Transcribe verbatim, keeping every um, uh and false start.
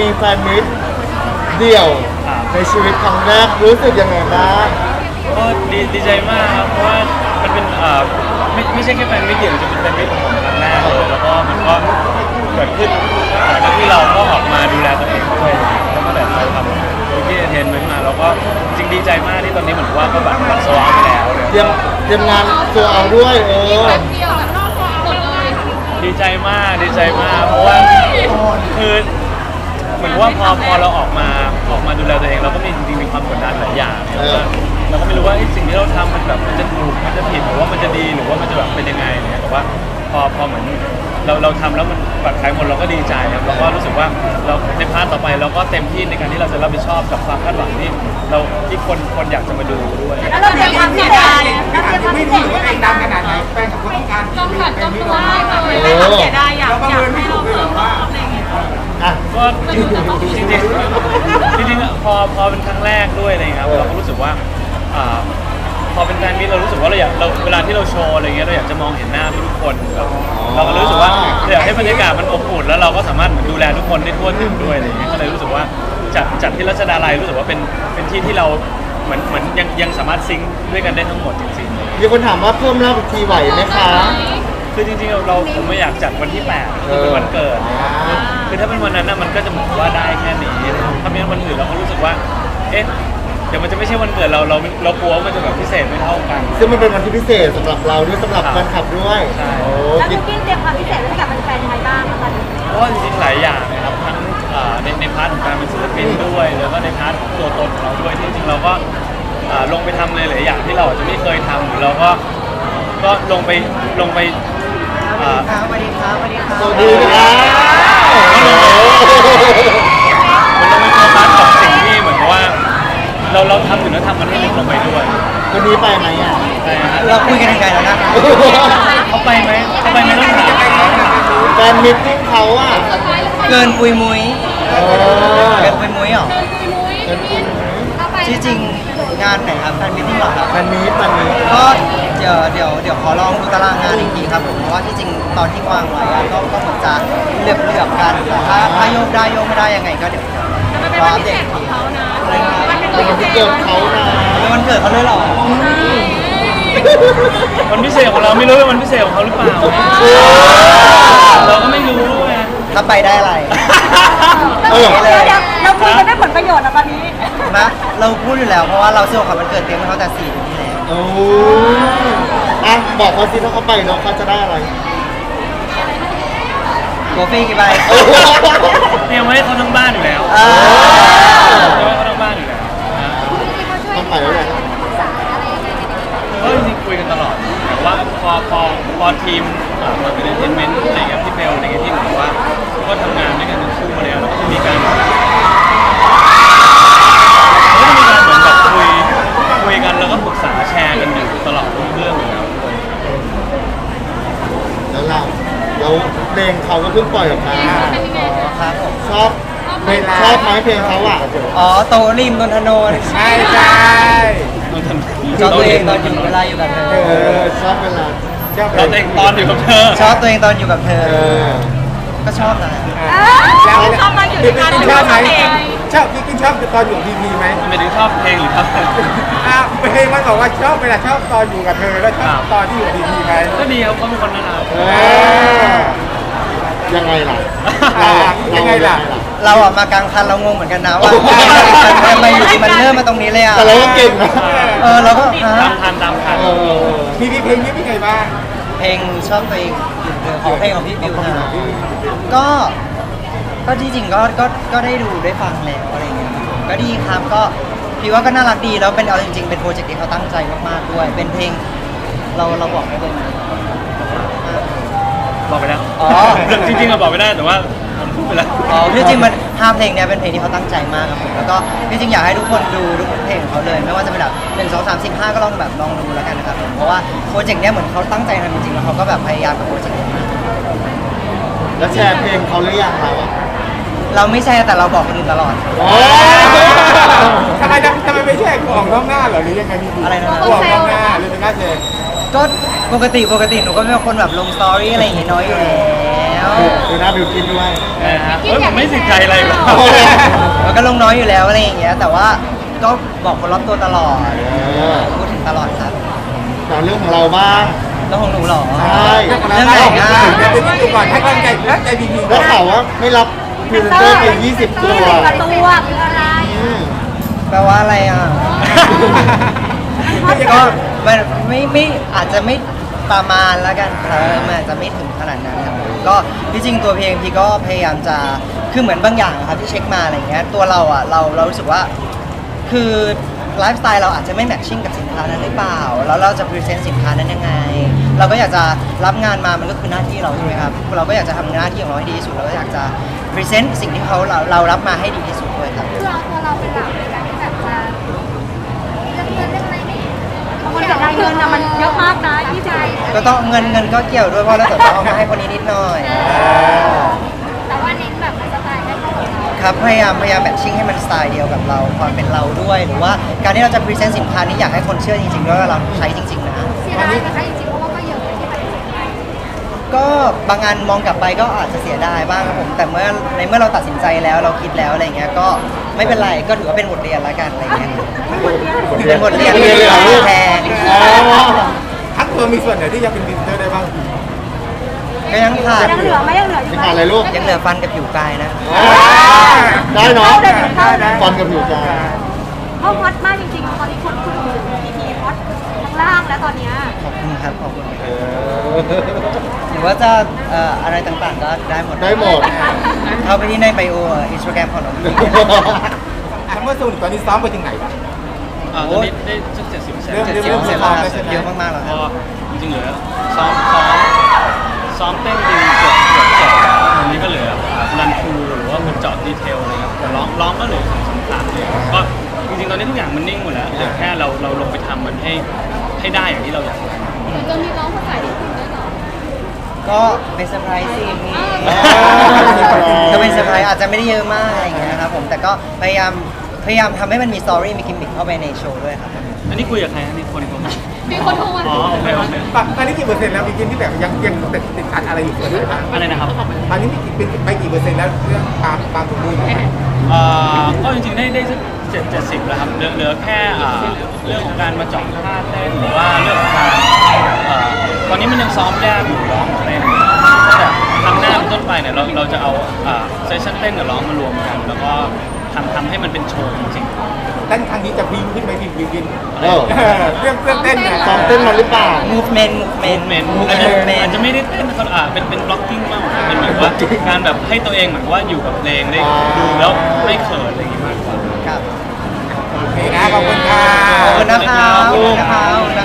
มีแฟนมิตรเดี่ยวในชีวิตครั้งแรกรู้สึกยังไงบ้างก็ดีดีใจมากครับเพราะว่ามันเป็นเอ่อไม่ไม่ใช่แค่แฟนมิตรเดี่ยวจะเป็นแฟนมิตรของผมครั้งแรกเลยแล้วก็มันก็เกิดขึ้นหลังจากที่เราก็ออกมาดูแลตัวเองด้วยแล้วก็แบบเราทำที่เทนเมนต์มาแล้วก็จริงดีใจมากที่ตอนนี้เหมือนว่าก็แบบบัตรโซลไปแล้วเลยเตรียมเตรียมงานตัวเอาด้วยเออดีใจมากดีใจมากเพราะว่าคือเหมือนว่าพอพอเราออกมาออกมาดูแลตัวเองเราก็มีจริงๆมีความกดดันหลายอย่างแล้วก็เราก็ไม่รู้ว่าสิ่งที่เราทำมันแบบมันจะถูกมันจะผิดหรือว่ามันจะดีหรือว่ามันจะแบบเป็นยังไงเนี่ยแต่ว่าพอพอเหมือนเราเราทำแล้วมันปลอดภัยหมดเราก็ดีใจครับแล้วก็รู้สึกว่าเราในพาร์ทต่อไปเราก็เต็มที่ในการที่เราจะรับผิดชอบกับความคาดหวังที่เราที่คนคนอยากจะมาดูด้วยแล้วเราเตรียมความเสียดายแล้วเตรียมความไม่เสียถือว่าดายเองดังขนาดไหนแฟนกับคนต้องการต้องขัดต้องตัวเลยไม่ต้องเสียดายอยากอยากให้เราเพิ่มรอบอะไรอย่างเงี้ยก็จริงจริงจริงพอพอเป็นครั้งแรกด้วยอะไรครับเราก็รู้สึกว่าพอเป็นแฟนมิตรเรารู้สึกว่าเราอยากเราเวลาที่เราโชว์อะไรเงี้ยเราอยากจะมองเห็นหน้าทุกคนแบบเราก็รู้สึกว่าอยากให้บรรยากาศมันอบอุ่นแล้วเราก็สามารถดูแลทุกคนได้ทั่วถึงด้วยอะไรเงี้ยก็เลยรู้สึกว่าจัดจัดที่รัชดาลัยรู้สึกว่าเป็นเป็นที่ที่เราเหมือนเหมือนยังยังสามารถซิงค์ด้วยกันได้ทั้งหมดจริงๆมีคนถามว่าเพิ่มรอบอีกทีไหวไหมคะคือจริงๆเราผมไม่อยากจัดวันที่แปดคือเป็นวันเกิดคือถ้าเป็นวันนั้นน่ะมันก็จะเหมือนว่าได้แค่นี้ถ้าเป็นวันอื่นเราก็รู้สึกว่าเอ๊ะเดี๋ยวมันจะไม่ใช่วันเกิดเราเราเรากลัวว่ามันจะแบบพิเศษไม่เท่ากันซึ่งมันเป็นวันที่พิเศษสำหรับเราด้วยสำหรับแฟนคลับด้วยโอ้แล้วพี่กิ้งเตรียมความพิเศษให้กับแฟนๆไทยบ้างคะเพราะว่าจริงๆหลายอย่างนะครับทั้งในในพาร์ทของการเป็นศิลปินด้วยแล้วก็ในพาร์ทตัวตนของเราด้วยที่จริงเราก็ลงไปทำเลยหลายอย่างที่เราอาจจะไม่เคยทำหรือเราก็ก็ลงไปลงไปสวัสดีครับสวัสดีครับสวัสดีครับมันลงไปโฟกัสกับสิ่งที่เหมือนกับว่าเราเราทำอยู่แล้วทำมันให้ลึกลงไปด้วยวันนี้ไปไหมอ่ะเราคุยกันยังไงแล้วนะเขาไปไหมเขาไปไหมต้องถามแฟนมิตติ้งเขาอ่ะเกินปุยมุ้ยเกินปุยมุ้ยหรอที่จริงงานไหนครับแฟนมิตติ้งหรอครับแฟนมิตแฟนมิตก็เดี๋ยวเดี๋ยวเดี๋ยวขอลองดูตารางงานอีกทีครับผมเพราะว่าที่จริงตอนที่วางไว้ก็ก็เหมือนจะเลือกเลือกกันถ้าถ้าโยกได้โยกไม่ได้ยังไงก็เดี๋ยวรออัปเดตของเขานะเป็นวันที่เกิดเขานะเป็นวันเกิดเขาเลยหรอวันพิเศษของเราไม่รู้ว่าวันพิเศษของเขาหรือเปล่าเราก็ไม่รู้ไงถ้าไปได้อะไรเออเราคุยกันได้ผลประโยชน์นะตอนนี้นะเราพูดอยู่แล้วเพราะว่าเราซื้อของขวัญวันเกิดเตรียมให้เขาแต่สี่เดือนที่แล้วโอ้อะบอกเขาสิถ้าเขาไปน้องเขาจะได้อะไรโกฟี่กี่ใบเตรียมไว้เขาทั้งบ้านอยู่แล้วเตรียมไว้เขาทั้งบ้านอยู่แล้วต้องไปแล้วแหละก็จริงๆคุยกันตลอดแต่ว่าพอพอพอทีมมาเป็นเอนเตอร์เทนเมนต์อะไรกับพี่เบลอะไรเงี้ยที่เหมือนว่าก็ทำงานด้วยกันทั้งคู่มาแล้วแล้วก็จะมีการก็จะมีการเหมือนแบบคุยคุยกันแล้วก็ปรึกษาแชร์กันอยู่ตลอดทุกเรื่องอยู่แล้วแล้วเราแล้วเพลงเขาก็เพิ่งปล่อยออกมาครับผมชอบชอบไหมเพลงเขาอ่ะอ๋อโตริมนนทนนท์ใช่ใช่ชอบตัวเองตอนอยู่เวลาอยู่กับเธอชอบเวลาชอบตัวเองตอนอยู่กับเธอชอบตัวเองตอนอยู่กับเธอก็ชอบนะแล้วชอบตอนอยู่ด้วยกันชอบไหมชอบพี่กินชอบตอนอยู่พีพีไหมไม่ได้ชอบเพลงหรือครับอ่ะเพลงมันบอกว่าชอบเวลาชอบตอนอยู่กับเธอแล้วชอบตอนที่อยู่พีพีไหมก็ดีครับเขาเป็นคนน่ารักยังไงล่ะยังไงล่ะเราออกมากลางคันเรางงเหมือนกันนะว่าทำไมอยู่ดีมันเริ่มมาตรงนี้เลยอ่ะแต่เราก็เก่งนะเออเราก็ตามทันตามทันพีพีเพลงนี้เป็นไงบ้างเพลงชอบตัวเองของเพลงของพี่บิวนะก็ก็ที่จริงก็ก็ก็ได้ดูได้ฟังแล้วอะไรเงี้ยก็ดีครับก็พี่ว่าก็น่ารักดีแล้วเป็นเอาจริงๆเป็นโปรเจกต์ที่เขาตั้งใจมากๆด้วยเป็นเพลงเราเราบอกไม่ได้ไหมบอกไปแล้วอ๋อจริงๆเราบอกไม่ได้แต่ว่าผมพูดไปแล้วอ๋อที่จริงมันห้าเพลงเนี้ยเป็นเพลงที่เขาตั้งใจมากครับผมแล้วก็ที่จริงอยากให้ทุกคนดูทุกเพลงของเขาเลยไม่ว่าจะเป็นแบบหนึ่งสองสามสิบห้าก็ลองแบบลองดูแล้วกันนะครับผมเพราะว่าโปรเจกต์เนี้ยเหมือนเขาตั้งใจทำจริงๆแล้วเขาก็แบบพยายามกับโปรเจกต์นี้มากแล้วแชร์เพลงเขาหรือยังเราอ่ะเราไม่แชร์แต่เราบอกคนอื่นตลอดทำไมทำไมไม่แชร์ของน้องหน้าเหรอหรือยังไงมีอะไรนะของน้องหน้าหรือเป็นหน้าแชร์ก็ปกติปกติหนูก็เป็นคนแบบลงสตอรี่อะไรอย่างเงี้ยน้อยอยู่แล้ววดูหน้าบิวกินด้วยนะฮะเฮ้ยผมไม่ติดใจอะไรหรอกโอ้ยมันก็ลงน้อยอยู่แล้วอะไรอย่างเงี้ยแต่ว่าก็บอกคนรอบตัวตลอดเออพูดถึงตลอดครับแต่เรื่องของเราบ้างแล้วของหนูเหรอใช่เรื่องไหนอ่ะเดี๋ยวไปดูก่อนให้กำลังใจแล้วใจบีบีก่ได้อนข่าวว่าไม่รับพรีเซนเตอร์ไปยี่สิบตัวประตูคืออะไรอืมแปลว่าอะไรอ่ะ ก็มันไม่ไม่อาจจะไม่ประมาณแล้วกันครับมันอาจจะไม่ถึงขนาดนั้นครับก็ที่จริงตัวเพลงพี่ก็พยายามจะคือเหมือนบางอย่างอะครับที่เช็คมาอะไรเงี้ยตัวเราอ่ะเราเรารู้สึกว่าคือไลฟ์สไตล์เราอาจจะไม่แมทชิ่งกับสินค้านั้นหรือเปล่าแล้วเราจะพรีเซนต์สินค้านั้นยังไง เราก็อยากจะรับงานมามันก็คือหน้าที่เราใช่ไหมครับเราก็อยากจะทำหน้าที่ของเราให้ดีที่สุดเราก็อยากจะพรีเซนต์สิ่งที่เขาเราเรารับมาให้ดีที่สุดด้วยครับคือเอาตัวเราเป็นหลักในการที่แบบจะเรื่องเงินเรื่องอะไรนี่คนกับรายเงินนะมันเยอะมากนะพี่ใจก็ต้องเงินเงินก็เกี่ยวด้วยเพราะเราจะต้องเอามาให้คนนี้นิดหน่อยแต่ว่าเน้นแบบสไตล์ให้เข้ากับเราครับพยายามพยายามแมทชิ่งให้มันสไตล์เดียวกับเราความเป็นเราด้วย หรือว่าการที่เราจะพรีเซนต์สินค้านี้อยากให้คนเชื่อจริงๆด้วยว่าเราใช้จริงๆนะเสียดายนะคะจริงๆเพราะว่าก็เยอะที่ปฏิเสธไปก็บางงานมองกลับไปก็อาจจะเสียดายบ้างครับผมแต่เมื่อในเมื่อเราตัดสินใจแล้วเราคิดแล้วอะไรเงี้ยก็ไม่เป็นไรก็ถือว่าเป็นบทเรียนละกันอะไรเงี้ยเป็นบทเรียนเรียนเลยเหรอลูกแพงอ๋อทั้งตัวมีส่วนไหนที่ยังเป็นบินเตอร์ได้บ้างก็ยังขาดยังเหลือไหมยังเหลืออยู่จะไหมขาดอะไรลูกยังเหลือฟันกับผิวกายนะได้เนาะเข้าได้เข้าได้ฟันกับผิวกายเพราะฮอตมากจริงๆตอนนี้คนคุณอยู่พีพีฮอตทั้งล่างแล้วตอนเนี้ยขอบคุณครับขอบคุณเออหรือว่าจะเอ่ออะไรต่างๆก็ได้หมดได้หมดเข้าไปที่ในไบโออินสตาแกรมของน้องพีทั้งเมื่อสูนตอนนี้ซ้อมไปถึงไหนบ้างอ่าตอนนี้ได้สักเจ็ดสิบเปอร์เซ็นต์เริ่มเจ็ดสิบเปอร์เซ็นต์แล้วครับเยอะมากๆแล้วคก็รับจริงๆเหลือซ้อมซ้อมซ้อมเต้นจริงเกือบเกือบจบอันนี้ก็เหลือรันทรูหรือว่ามันเจาะดีเทลอะไรครับแต่ร้องร้องก็เหลือสองสามครั้งเลยก็จริงๆตอนนี้ทุกอย่างมันนิ่งหมดแล้วเหลือแค่เราเราลงไปทำมันให้ให้ได้อย่างที่เราอยากจะมีร้องภาษาญี่ปุ่นด้วยเหรอก็เป็นเซอร์ไพรส์สิอ่าก็เป็นเซอร์ไพรส์อาจจะไม่ได้เยอะมากอะไรอย่างเงี้ยครับผมแต่ก็พยายามพยายามทำให้มันมีสตอรี่มีกิมมิคเข้าไปในโชว์ด้วยครับอันนี้คุยกับใครอันนี้คนคนมีคนโทรมาอ๋อโอเคโอเคตอนนี้กี่เปอร์เซ็นต์แล้วบิกินที่แบบยังยังติดติดขัดอะไรอยู่ส่วนไหนบ้างอะไรนะครับตอนนี้เป็นไปกี่เปอร์เซ็นต์แล้วเรื่องความความสมบูรณ์เอ่อก็จริงๆได้ได้สักเจ็ดเจ็ดสิบแล้วครับเหลือเหลือแค่อ่าเรื่องของการมาเจาะท่าเต้นหรือว่าเรื่องของการเอ่อตอนนี้มันยังซ้อมยากอยู่ร้องเต้นแต่ครั้งหน้าเป็นต้นไปเนี่ยเราเราจะเอาเซสชั่นเต้นกับร้องมารวมกัน แล้วก็ทำทำให้มันเป็นโชว์จริงเต้นครั้งนี้จะพิ้งขึ้นไหมบิบิกินเออเรื่องเรื่องเต้นเนี่ยซ้อมเต้นมาหรือเปล่า movement ๆ movement เมนอาจจะอาจจะไม่ได้เต้นเขาอ่าเป็นเป็นบล็อกกิ้งมากกว่าเป็นเหมือนว่าการแบบให้ตัวเองเหมือนว่าอยู่กับเพลงได้ดูแล้วไม่เขินอะไรอย่างงี้มากกว่าครับโอเคนะขอบคุณค่ะขอบคุณนะครับขอบคุณนะครับ